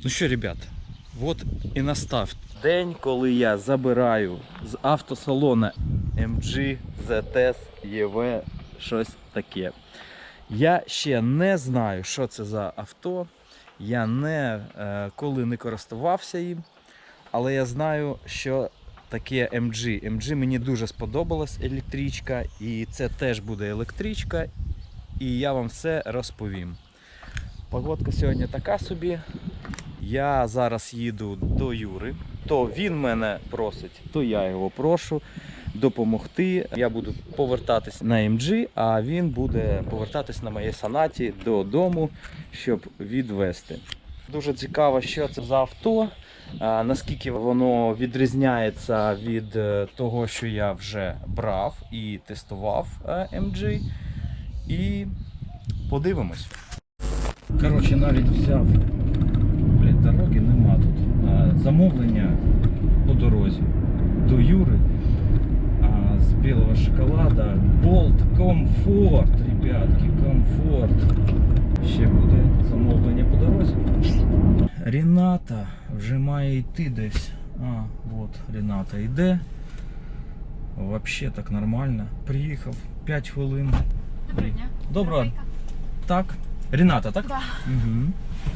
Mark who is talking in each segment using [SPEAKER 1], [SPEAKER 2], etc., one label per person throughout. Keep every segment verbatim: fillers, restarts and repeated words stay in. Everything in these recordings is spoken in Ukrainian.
[SPEAKER 1] Ну що, ребят, от і настав день, коли я забираю з автосалону ем джі, зет ес, і ве, щось таке. Я ще не знаю, що це за авто, я не, е, коли не користувався їм, але я знаю, що таке ем джі. ем джі мені дуже сподобалась електричка, і це теж буде електричка, і я вам все розповім. Погодка сьогодні така собі. Я зараз їду до Юри. То він мене просить, то я його прошу допомогти. Я буду повертатись на ем джі, а він буде повертатись на моїй Сонаті додому, щоб відвезти. Дуже цікаво, що це за авто, наскільки воно відрізняється від того, що я вже брав і тестував ем джі. І подивимось. Коротше, навіть взяв, блядь, дороги нема тут. Замовлення по дорозі до Юри з білого шоколада. Bolt комфорт, ребятки, комфорт. Ще буде замовлення по дорозі. Рената вже має йти десь. А, от Рената йде. Вообще так нормально. Приїхав п'ять хвилин.
[SPEAKER 2] Доброго дня.
[SPEAKER 1] Доброго. Так. Рената, так?
[SPEAKER 2] Да.
[SPEAKER 1] Угу.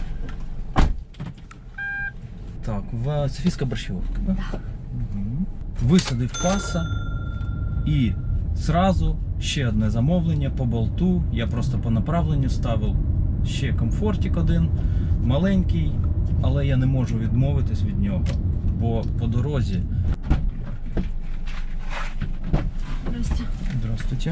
[SPEAKER 1] Так, в Софійська Борщевка, да?
[SPEAKER 2] Да.
[SPEAKER 1] Угу. Висадив каса і зразу ще одне замовлення по болту. Я просто по направленню ставив ще комфортик один, маленький, але я не можу відмовитись від нього, бо по дорозі...
[SPEAKER 2] Здрасте.
[SPEAKER 1] Здравствуйте.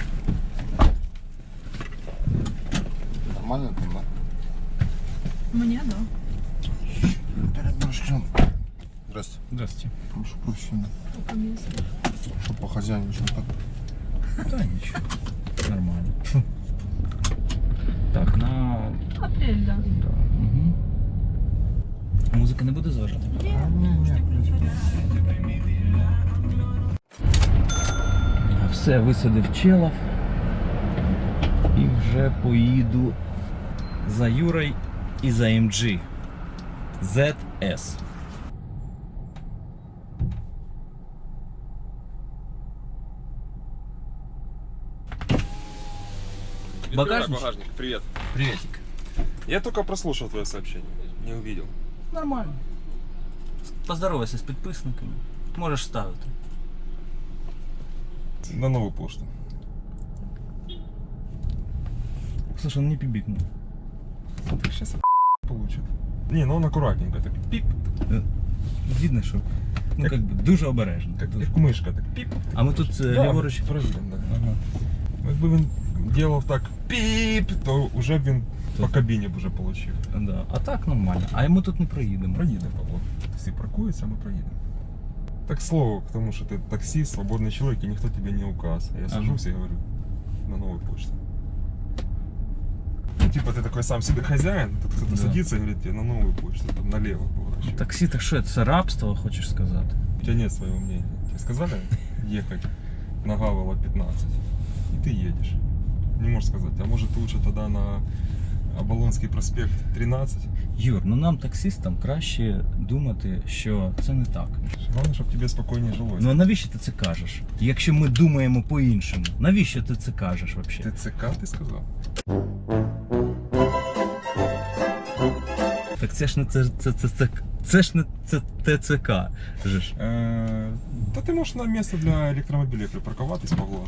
[SPEAKER 3] Нормально там, да?
[SPEAKER 2] Мне, да.
[SPEAKER 3] Перед дождем. Здрасте.
[SPEAKER 1] Здравствуйте.
[SPEAKER 3] Прошу прощения.
[SPEAKER 2] По месту.
[SPEAKER 3] Что по хозяйничаю так?
[SPEAKER 1] Да, ничего. Нормально. Так, на...
[SPEAKER 2] Апрель, да.
[SPEAKER 1] Да. Угу. Музика не буде зважати? Все, висадив челов і вже поїду за Юрою і за ем джі зет ес. Багажник?
[SPEAKER 4] Багажник, привет.
[SPEAKER 1] Приветик.
[SPEAKER 4] Я только прослушал твое сообщение, не увидел.
[SPEAKER 1] Нормально. Поздоровайся з підписниками. Можеш ставити.
[SPEAKER 4] На новую почту.
[SPEAKER 1] Слушай, он не пибикнул.
[SPEAKER 4] Смотри, сейчас получит. Не, ну он аккуратненько, так пип,
[SPEAKER 1] Видно, що ну,
[SPEAKER 4] Як-
[SPEAKER 1] как бы, дуже обережно.
[SPEAKER 4] как,
[SPEAKER 1] Дуже.
[SPEAKER 4] как мышка, так пип.
[SPEAKER 1] А ми тут е,
[SPEAKER 4] Да,
[SPEAKER 1] ліворуч.
[SPEAKER 4] проверим, да.
[SPEAKER 1] Ага.
[SPEAKER 4] Якби він делав так пип, то уже б він по
[SPEAKER 1] Тут.
[SPEAKER 4] кабіні б уже получив.
[SPEAKER 1] Да. А так нормально. А ми тут не проїдемо.
[SPEAKER 4] Проїдемо, Павло. Всі паркуються, а ми проїдемо. Так слово к тому, що ти таксист, свободний чоловік, і ніхто тебе не указ. А я сажусь і говорю, на новую почту. Ну, типа ты такой сам себе хозяин, тут кто-то
[SPEAKER 1] Да.
[SPEAKER 4] садится и говорит тебе на новую почту, там налево поворачивай.
[SPEAKER 1] Таксі, так що це рабство, хочеш сказати?
[SPEAKER 4] У тебя нет своего мнения. Тебе сказали ехать на Гавела пятнадцать, и ты едешь. Не можешь сказать, а может лучше тогда на Оболонский проспект тринадцать?
[SPEAKER 1] Юр, ну нам таксистам краще думати, що це не так.
[SPEAKER 4] Главное, чтобы тебе спокойнее жилось.
[SPEAKER 1] Ну а навіщо ти це кажеш? Якщо ми думаємо по-іншому, навіщо ти це кажеш взагалі?
[SPEAKER 4] ТЦК ты сказал?
[SPEAKER 1] Так це ж не це, це, це, це, це ж не це ТЦК. Же ж.
[SPEAKER 4] Э, Да ты можешь на место для электромобилей припарковаться, Павло.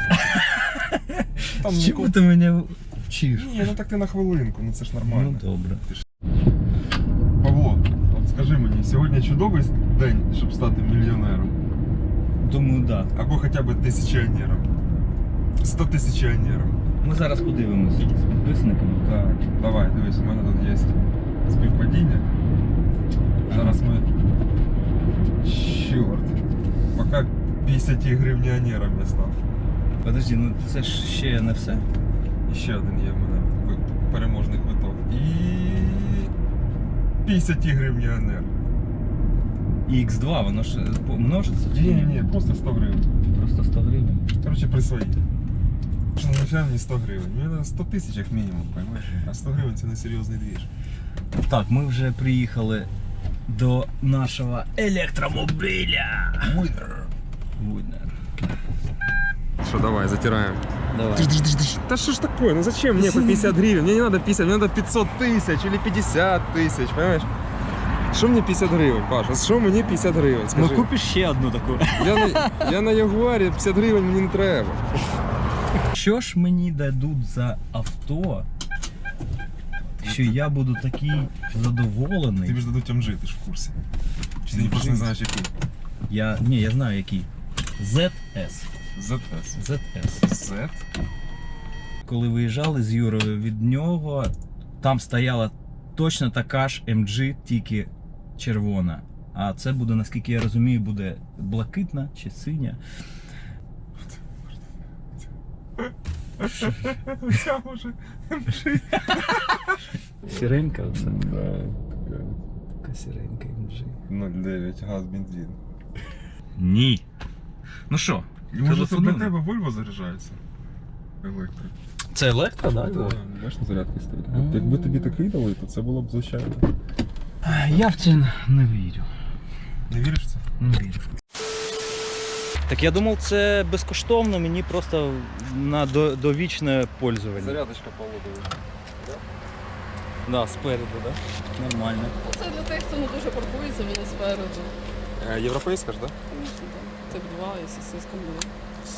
[SPEAKER 4] Там
[SPEAKER 1] Чому
[SPEAKER 4] нікого-
[SPEAKER 1] ти мене вчиш?
[SPEAKER 4] Ні, ну так ти на хвилинку, ну це ж нормально.
[SPEAKER 1] Ну добре.
[SPEAKER 4] Павло, от скажи мені, сьогодні чудовий день, щоб стати мільйонером?
[SPEAKER 1] Думаю, так. Да.
[SPEAKER 4] Або хоча б тисячіонером. Стотисячіонером.
[SPEAKER 1] Ми зараз подивимось з підписниками.
[SPEAKER 4] Так, давай, дивись, у мене тут є співпадіння. Зараз ми... Чорт. Поки п'ятдесятигривнянером я став.
[SPEAKER 1] Подожди, ну це ж ще не все.
[SPEAKER 4] І ще один є в мене ви- переможний квиток. І... п'ятдесятигривнянер.
[SPEAKER 1] І ікс два, воно ж помножиться? чи
[SPEAKER 4] Ні, ні, ні, просто сто гривень.
[SPEAKER 1] Просто сто гривень.
[SPEAKER 4] Короче, присвоїть. Що начальник сто гривень. Мені треба сто тисяч як мінімум, понимаєш? А сто гривень це не серйозний двіж.
[SPEAKER 1] Так, ми вже приїхали до нашого електромобіля. Winner. Winner.
[SPEAKER 4] Что, давай, затираем.
[SPEAKER 1] Давай.
[SPEAKER 4] Да что ж такое? Ну зачем мне по пятьдесят гривен? Мне не надо пятьдесят, мне надо пятьсот тысяч или пятьдесят тысяч, понимаешь? Что мне пятьдесят гривен, Паша? Что мне пятьдесят гривен?
[SPEAKER 1] Ну
[SPEAKER 4] Скажи.
[SPEAKER 1] купиш ще одну таку.
[SPEAKER 4] Я на, я на Ягуарі, п'ятдесят гривень мені не треба.
[SPEAKER 1] Що ж мені дадуть за авто, що я буду такий задоволений?
[SPEAKER 4] Тобі ж дадуть ем джі, ти ж в курсі. Чи ти просто не знаєш який?
[SPEAKER 1] Я, ні, я знаю який. зет ес.
[SPEAKER 4] зет ес.
[SPEAKER 1] зет ес.
[SPEAKER 4] Z?
[SPEAKER 1] Коли виїжджали з Юрою від нього, там стояла точно така ж ем джі, тільки червона. А це буде, наскільки я розумію, буде блакитна чи синя.
[SPEAKER 4] Ця може ем джі.
[SPEAKER 1] Сіренька оце. Така сіренька ем джі.
[SPEAKER 4] нуль дев'ять, газ, бензин.
[SPEAKER 1] Ні. Ну що,
[SPEAKER 4] Може це для
[SPEAKER 1] телефонуємо?
[SPEAKER 4] тебе Volvo заряджається? Електрик.
[SPEAKER 1] Це електро, так?
[SPEAKER 4] Так, бачиш, на зарядки стоїть.
[SPEAKER 1] А.
[SPEAKER 4] Якби тобі таки дали, то це було б звичайно.
[SPEAKER 1] Я в це не вірю.
[SPEAKER 4] Не віриш в це?
[SPEAKER 1] Не вірю. Так я думав, це безкоштовно, мені просто на до- довічне пользування.
[SPEAKER 4] Зарядочка Павлова.
[SPEAKER 1] Да, спереду, так? Да? Нормально.
[SPEAKER 5] Це для тих, хто не дуже паркується, воно спереду.
[SPEAKER 4] Європейська ж, так?
[SPEAKER 5] Звісно, так. Тип два і сосиска буде.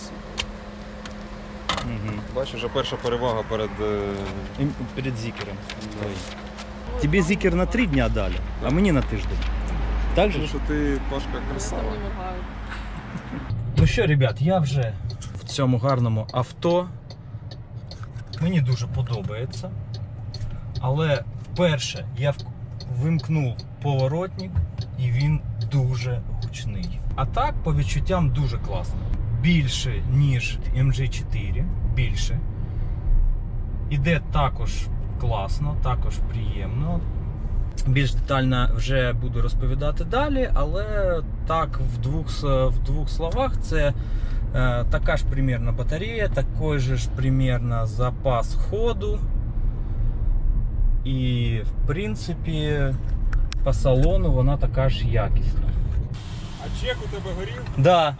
[SPEAKER 1] Угу.
[SPEAKER 4] Бачиш, вже перша перевага перед... е,
[SPEAKER 1] Перед зікером. Тобі зікер на три дня дали, а мені на тиждень. Так же?
[SPEAKER 4] Тому
[SPEAKER 1] ж?
[SPEAKER 4] що ти, Пашка,
[SPEAKER 5] Вони
[SPEAKER 4] красава.
[SPEAKER 5] там не моргають.
[SPEAKER 1] Ну що, ребят, я вже в цьому гарному авто. Мені дуже подобається. Але перше, я в- вимкнув поворотник і він дуже гучний. А так, по відчуттям, дуже класно. Більше, ніж ем джі чотири. Більше. Іде також класно, також приємно. Більш детально вже буду розповідати далі, але так в двох, с- в двох словах це е, така ж примірна батарея, такий же ж примірно запас ходу. І в принципі по салону вона така ж якісна.
[SPEAKER 4] А чек у тебе горів?
[SPEAKER 1] Да.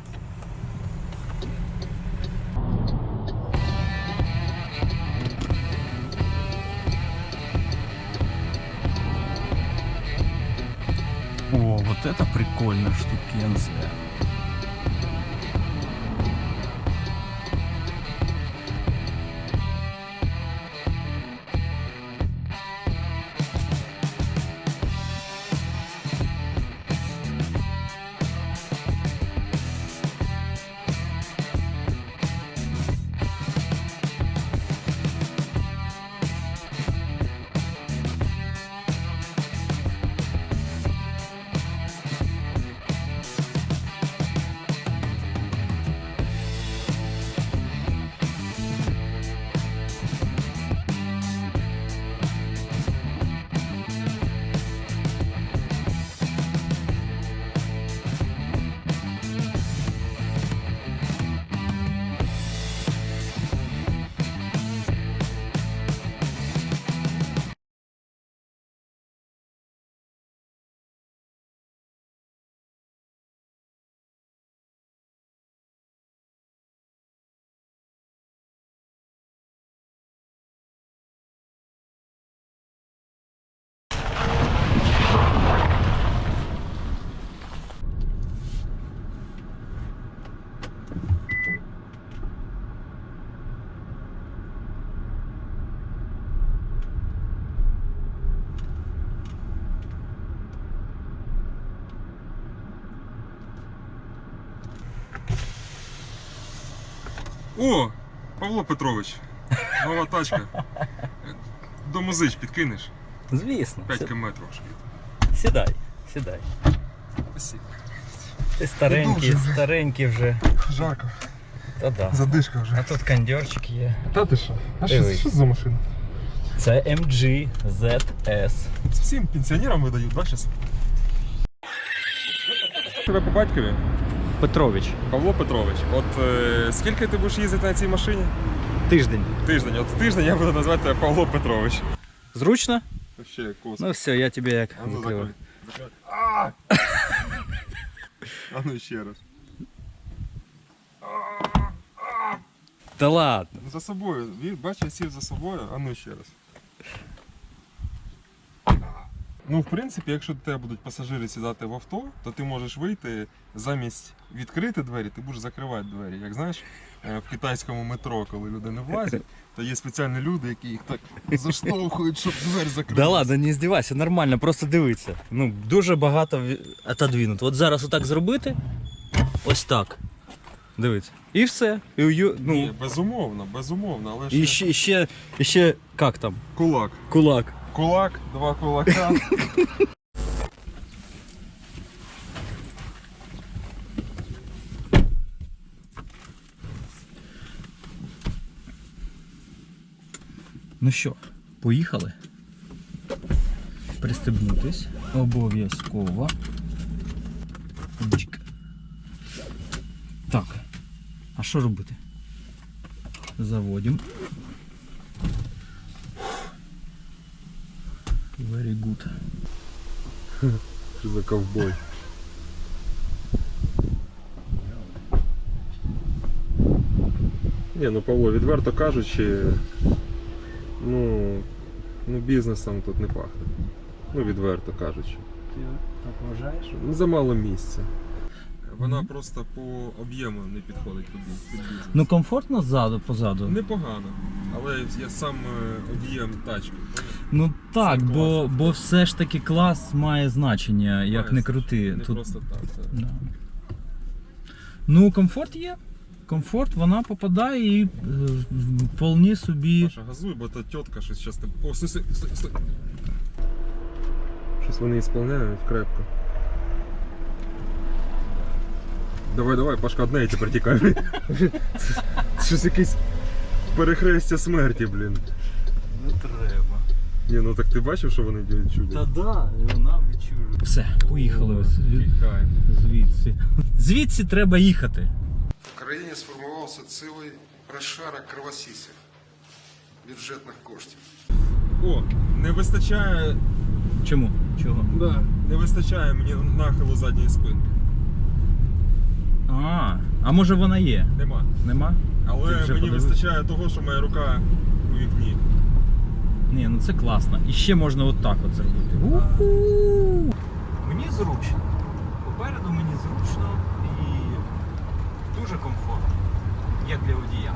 [SPEAKER 1] О, вот это прикольная штукенция.
[SPEAKER 4] О, Павло Петрович, нова тачка. До музич підкинеш?
[SPEAKER 1] Звісно.
[SPEAKER 4] п'ять
[SPEAKER 1] Сі-
[SPEAKER 4] кілометрів трошки.
[SPEAKER 1] Сідай, сідай.
[SPEAKER 4] Спасибо.
[SPEAKER 1] Ти старенький,
[SPEAKER 3] Дуже.
[SPEAKER 1] старенький вже.
[SPEAKER 3] Жарко.
[SPEAKER 1] Та да.
[SPEAKER 3] Задишка вже.
[SPEAKER 1] А тут кондьорчик є.
[SPEAKER 3] Та ти що? А що,
[SPEAKER 1] Дивись.
[SPEAKER 3] що це за машина?
[SPEAKER 1] Це ем джі зет ес.
[SPEAKER 4] Це всім пенсіонерам видають, да, зараз? Тебе по батькові?
[SPEAKER 1] Петрович.
[SPEAKER 4] Павло Петрович, от е, скільки ти будеш їздити на цій машині?
[SPEAKER 1] Тиждень.
[SPEAKER 4] Тиждень. От тиждень я буду назвати тебе Павло Петрович.
[SPEAKER 1] Зручно?
[SPEAKER 4] Вообще космос.
[SPEAKER 1] Ну все, я тебе як
[SPEAKER 4] А ну
[SPEAKER 1] закриваю.
[SPEAKER 4] закрой. Закрой. А! А ну ще раз.
[SPEAKER 1] Та ладно.
[SPEAKER 4] За собою. Він, бачиш, я сів за собою, а ну ще раз. Ну, в принципі, якщо до тебе будуть пасажири сідати в авто, то ти можеш вийти замість відкрити двері, ти будеш закривати двері. Як знаєш, е, в китайському метро, коли люди не влазять, то є спеціальні люди, які їх так заштовхують, щоб двері закрити.
[SPEAKER 1] Да ладно, не здівайся, нормально, просто дивися. Ну, дуже багато ві- отодвинуто. От зараз отак зробити, ось так. Дивіться. І все. І, ую- ну,
[SPEAKER 4] Ні, безумовно, безумовно, але ще
[SPEAKER 1] і ще, і ще, і ще, як там?
[SPEAKER 4] кулак.
[SPEAKER 1] Кулак.
[SPEAKER 4] Кулак, два кулака.
[SPEAKER 1] Ну що, поїхали? Пристебнутись. Обов'язково. Чик. Так. А що робити? Заводимо. Very good.
[SPEAKER 4] Що за ковбой? Ні, ну Павло, відверто кажучи, ну, ну бізнесом тут не пахне. Ну, відверто кажучи.
[SPEAKER 1] Ти так вважаєш?
[SPEAKER 4] Ну, замало місця. Вона просто по об'єму не підходить під, під бізнес.
[SPEAKER 1] Ну комфортно ззаду, позаду?
[SPEAKER 4] Непогано, але є сам е, об'єм тачки.
[SPEAKER 1] Ну так,
[SPEAKER 4] Це
[SPEAKER 1] бо,
[SPEAKER 4] класно.
[SPEAKER 1] бо все ж таки клас має значення, як
[SPEAKER 4] Має
[SPEAKER 1] не
[SPEAKER 4] значення.
[SPEAKER 1] крути.
[SPEAKER 4] Не
[SPEAKER 1] Тут...
[SPEAKER 4] просто так. так.
[SPEAKER 1] Да. Ну, комфорт є. Комфорт, вона попадає і е, вполне собі.
[SPEAKER 4] Паша, газуй, бо та тітка щось зараз тебе. О, стой, стой, стой, стой. Щось вони ісполняють крепко. Давай, давай, Пашка, одне і тепер тікай. Щось якесь перехрестя смерті, блін.
[SPEAKER 1] Не треба.
[SPEAKER 4] Ні, ну так ти бачив, що вони чудять?
[SPEAKER 1] Та да, вона відчує. Все, поїхали ось від-
[SPEAKER 4] Тікай.
[SPEAKER 1] звідси. Звідси треба їхати.
[SPEAKER 3] В країні сформувався цілий розшарок кровосісів бюджетних коштів.
[SPEAKER 4] О, не вистачає.
[SPEAKER 1] Чому? Чого?
[SPEAKER 4] Да. Не вистачає мені нахилу задньої спинки.
[SPEAKER 1] А, а може вона є?
[SPEAKER 4] Нема.
[SPEAKER 1] Нема?
[SPEAKER 4] Але
[SPEAKER 1] Ти вже
[SPEAKER 4] мені
[SPEAKER 1] подивився?
[SPEAKER 4] вистачає того, що моя рука у вікні.
[SPEAKER 1] Ні, ну це класно. І ще можна отак от зробити. У-ху! Мені зручно. Попереду мені зручно і дуже комфортно. Як для водія.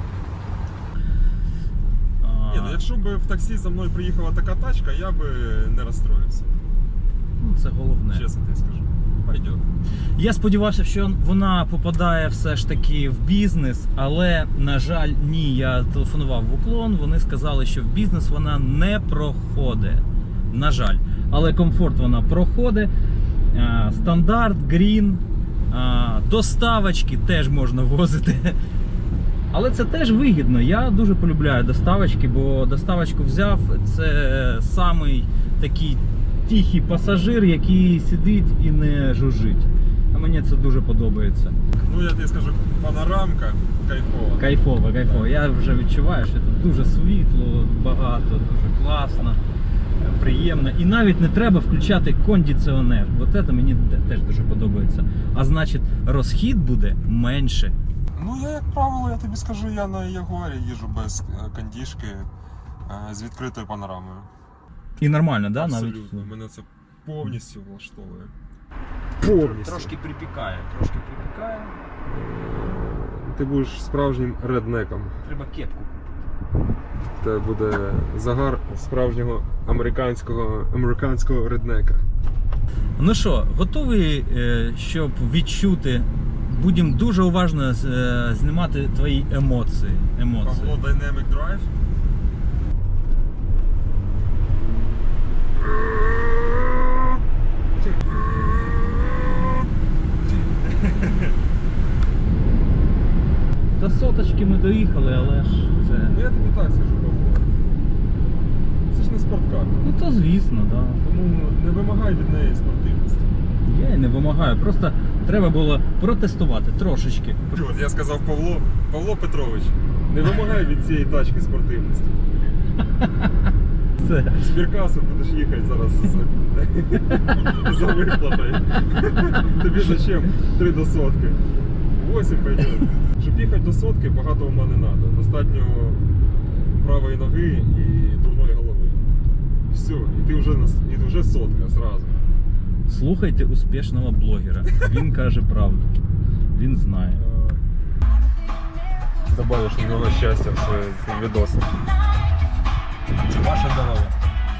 [SPEAKER 1] А,
[SPEAKER 4] Ні, ну якщо б в таксі за мною приїхала така тачка, я би не розстроївся.
[SPEAKER 1] ну, це головне.
[SPEAKER 4] Чесно тобі скажу. Пойдет.
[SPEAKER 1] Я сподівався, що вона попадає все ж таки в бізнес, але, на жаль, ні. Я телефонував в уклон, вони сказали, що в бізнес вона не проходить. На жаль. Але комфорт вона проходить. А, стандарт, грін, а, доставочки теж можна возити. Але це теж вигідно. Я дуже полюбляю доставочки, бо доставочку взяв, це самий такий тихий пасажир, який сидить і не жужжить. А мені це дуже подобається.
[SPEAKER 4] Ну я тобі скажу, панорамка кайфова.
[SPEAKER 1] Кайфово, кайфово. Я вже відчуваю, що тут дуже світло, багато, дуже класно, приємно. І навіть не треба включати кондиціонер. От це мені теж дуже подобається. А значить, розхід буде менше.
[SPEAKER 4] Ну я, як правило, я тобі скажу, я на Ягуарі їжджу без е, кондішки е, з відкритою панорамою.
[SPEAKER 1] І нормально, да?
[SPEAKER 4] Абсолютно.
[SPEAKER 1] Навіть?
[SPEAKER 4] Мене це повністю влаштовує. Повністю.
[SPEAKER 1] Трошки припікає, трошки припікає.
[SPEAKER 4] Ти будеш справжнім реднеком.
[SPEAKER 1] Треба кепку.
[SPEAKER 4] Це буде загар справжнього американського американського реднека.
[SPEAKER 1] Ну що, готовий, е, щоб відчути? Будемо дуже уважно е, знімати твої емоції. емоції.
[SPEAKER 4] Павло Dynamic Drive.
[SPEAKER 1] До соточки ми доїхали, але ж це.
[SPEAKER 4] Ну я тобі так скажу, Павло. Це ж не спорткар.
[SPEAKER 1] Ну то звісно, так. Да.
[SPEAKER 4] Тому не вимагай від неї спортивності.
[SPEAKER 1] Я і не вимагаю, просто треба було протестувати трошечки.
[SPEAKER 4] От я сказав Павло, Павло Петрович, не вимагай від цієї тачки спортивності.
[SPEAKER 1] Все.
[SPEAKER 4] В Сберкасу будеш їхати зараз за, за виплатою. Тобі зачем три до сотки? Восім пойдет. Щоб їхати до сотки, багато ума не треба. Достатньо правої ноги і дурної голови. Все, і ти вже, на- і вже сотка зразу.
[SPEAKER 1] Слухайте успішного блогера. Він каже правду. Він знає.
[SPEAKER 4] Добавиш у нього щастя в свої відоси.
[SPEAKER 1] Ваше здоров'я.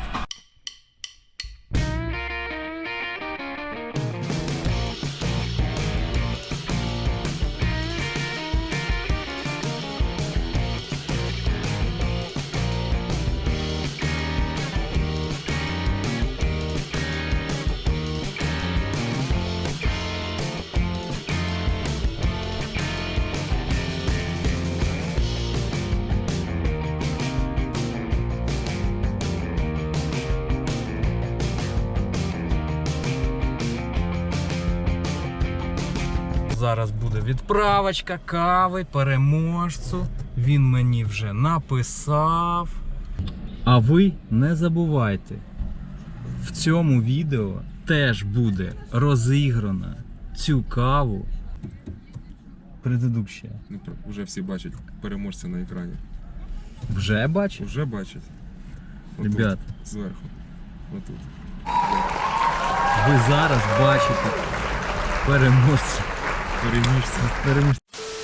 [SPEAKER 1] Зараз буде відправочка кави переможцю. Він мені вже написав. А ви не забувайте, в цьому відео теж буде розіграна цю каву. Предыдуща.
[SPEAKER 4] Ну, вже всі бачать переможця на екрані.
[SPEAKER 1] Вже бачиш?
[SPEAKER 4] Вже бачать. Отут,
[SPEAKER 1] Ребят,
[SPEAKER 4] зверху. Отут.
[SPEAKER 1] ви зараз бачите переможця.
[SPEAKER 4] Переможця.
[SPEAKER 1] Переможця.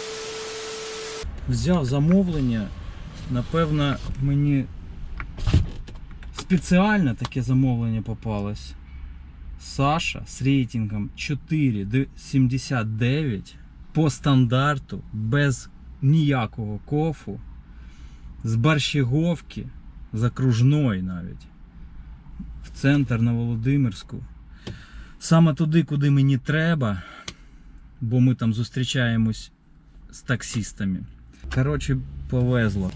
[SPEAKER 1] Взяв замовлення. Напевно, мені спеціально таке замовлення попалось. Саша з рейтингом чотири сімдесят дев'ять по стандарту, без ніякого кофу, з Борщаговки, з окружної навіть, в центр на Володимирську. Саме туди, куди мені треба, бо ми там зустрічаємось з таксістами. Коротше, повезло.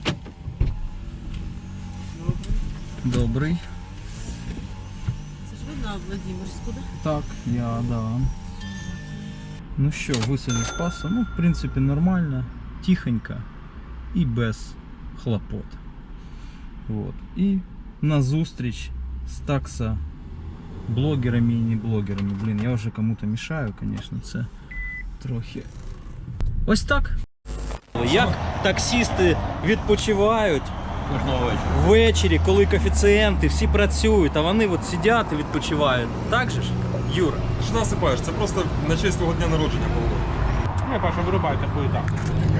[SPEAKER 1] Добрий.
[SPEAKER 5] Це ж ви на Владимирську, да?
[SPEAKER 1] Так, я, да. Ну що, висадив з паса. Ну, в принципі, нормально, тихонько і без хлопот. Вот. І на зустріч з такса блогерами і не блогерами. Блін, я вже кому-то мішаю, звісно, це трохи. Ось так. Як таксісти відпочивають ввечері, коли коефіцієнти, всі працюють, а вони от сидять і відпочивають. Так же ж, Юра?
[SPEAKER 4] Ти ж насипаєш, це просто на честь твого дня народження було.
[SPEAKER 6] Не, Паша, вырубай такую так.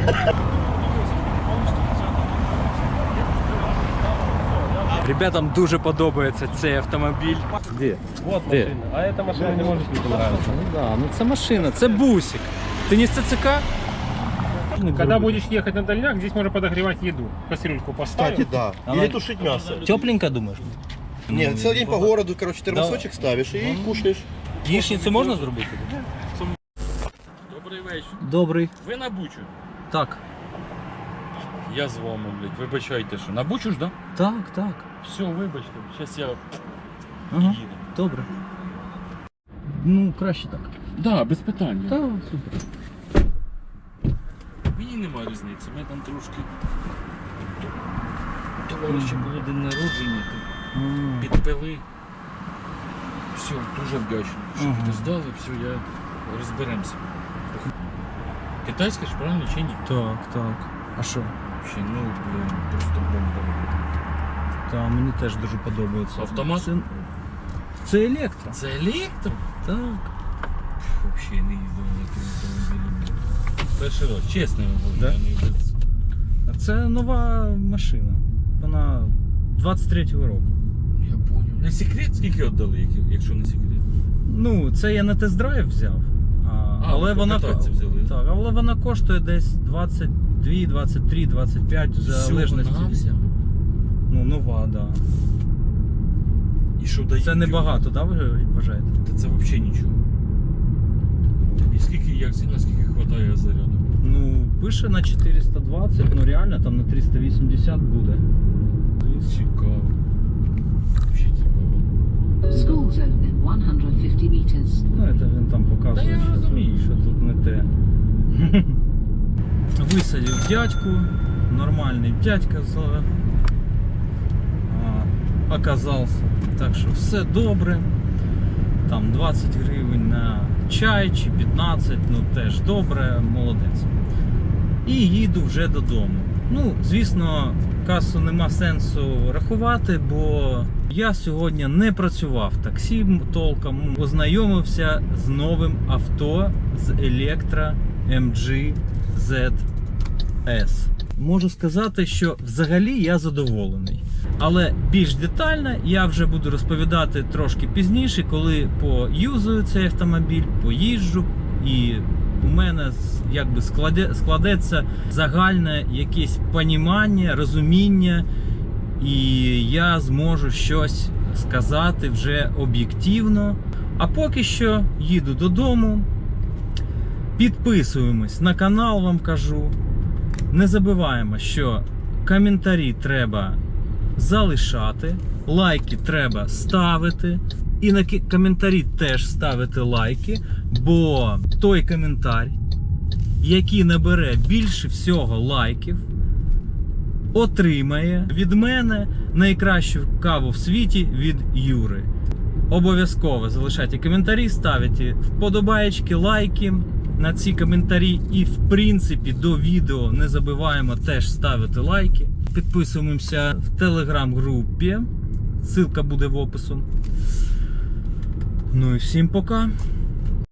[SPEAKER 1] Ребятам дуже подобається цей автомобіль. Де?
[SPEAKER 6] Вот
[SPEAKER 1] Де?
[SPEAKER 6] машина. А эта машина не может не понравиться.
[SPEAKER 1] Ну да, ну це машина, це бусик. Ти не з ЦЦК?
[SPEAKER 6] Когда будешь ехать на дальняк, здесь можно подогревать еду. Кастрюльку поставил.
[SPEAKER 7] Кстати, да.
[SPEAKER 1] Она-
[SPEAKER 7] Или тушить мясо.
[SPEAKER 1] Тепленько, думаєш?
[SPEAKER 7] Нет, целый день по городу, короче, термосочек ставишь и кушаешь.
[SPEAKER 1] Яичницю можна зробити?
[SPEAKER 8] Добрий вечір.
[SPEAKER 1] Добрий.
[SPEAKER 8] Ви на Бучу?
[SPEAKER 1] Так.
[SPEAKER 8] Я з вами, блядь. Вибачайте, що. На Бучу ж, да?
[SPEAKER 1] Так, так.
[SPEAKER 8] Все, вибачте. Зараз я
[SPEAKER 1] Ага.
[SPEAKER 8] їду.
[SPEAKER 1] Добре. Ну, краще так.
[SPEAKER 8] Да, без питань.
[SPEAKER 1] Так, супер.
[SPEAKER 8] Мені немає різниці. Ми там трошки товариші було день народження,
[SPEAKER 1] М.
[SPEAKER 8] підпили. Все, дуже вдячний. Що
[SPEAKER 1] Ага.
[SPEAKER 8] підождали, все, я розберемося. Китайська ж правильно чи ні?
[SPEAKER 1] Так, так. А що?
[SPEAKER 8] Взагалі, ну, блін, просто бомба.
[SPEAKER 1] Так, мені теж дуже подобається.
[SPEAKER 8] Автомат?
[SPEAKER 1] Це, це електро.
[SPEAKER 8] Це електро?
[SPEAKER 1] Так.
[SPEAKER 8] Взагалі не їздив на таким автомобілем. Перший раз, чесно вам говорю.
[SPEAKER 1] Да?
[SPEAKER 8] я не без-
[SPEAKER 1] А це нова машина. Вона двадцять третього року.
[SPEAKER 8] Я понял. Не секрет, скільки віддали, як- якщо не секрет?
[SPEAKER 1] Ну, це я на тест-драйв взяв. А, але,
[SPEAKER 8] ви
[SPEAKER 1] вона,
[SPEAKER 8] покататися взяли.
[SPEAKER 1] так, але вона коштує десь двадцять два, двадцять три, двадцять п'ять в залежності.
[SPEAKER 8] Всього-навсього?
[SPEAKER 1] Ну, нова, так. Да.
[SPEAKER 8] І що дає?
[SPEAKER 1] Це небагато, так, ви вважаєте?
[SPEAKER 8] Та це взагалі нічого. І скільки, як сильно, скільки вистачає заряду?
[SPEAKER 1] Ну, пише на чотириста двадцять, ну реально там на триста вісімдесят буде.
[SPEAKER 8] Цікаво. Взагалі цікаво.
[SPEAKER 9] School zone in one hundred fifty meters.
[SPEAKER 1] Ну, це він там показує,
[SPEAKER 8] Та я
[SPEAKER 1] що,
[SPEAKER 8] розумію.
[SPEAKER 1] тут, що тут не те. Висадив дядьку, нормальний дядька з а, оказався. Так що все добре. Там двадцять гривень на чай чи п'ятнадцять, ну теж добре, молодець. І їду вже додому. Ну, звісно, касу нема сенсу рахувати, бо я сьогодні не працював таксі толком, ознайомився з новим авто, з Electra ем джі зет ес. Можу сказати, що взагалі я задоволений. Але більш детально я вже буду розповідати трошки пізніше, коли поюзую цей автомобіль, поїжджу, і у мене якби складе, складеться загальне якесь понімання, розуміння, і я зможу щось сказати вже об'єктивно. А поки що їду додому, підписуємось на канал, вам кажу. Не забуваємо, що коментарі треба залишати, лайки треба ставити, і на коментарі теж ставити лайки, бо той коментар, який набере більше всього лайків, отримає від мене найкращу каву в світі від Юри. Обов'язково залишайте коментарі, ставите вподобаєчки, лайки на ці коментарі, і в принципі до відео не забуваємо теж ставити лайки. Підписуємося в телеграм-групі, ссылка буде в опису. Ну і всім пока!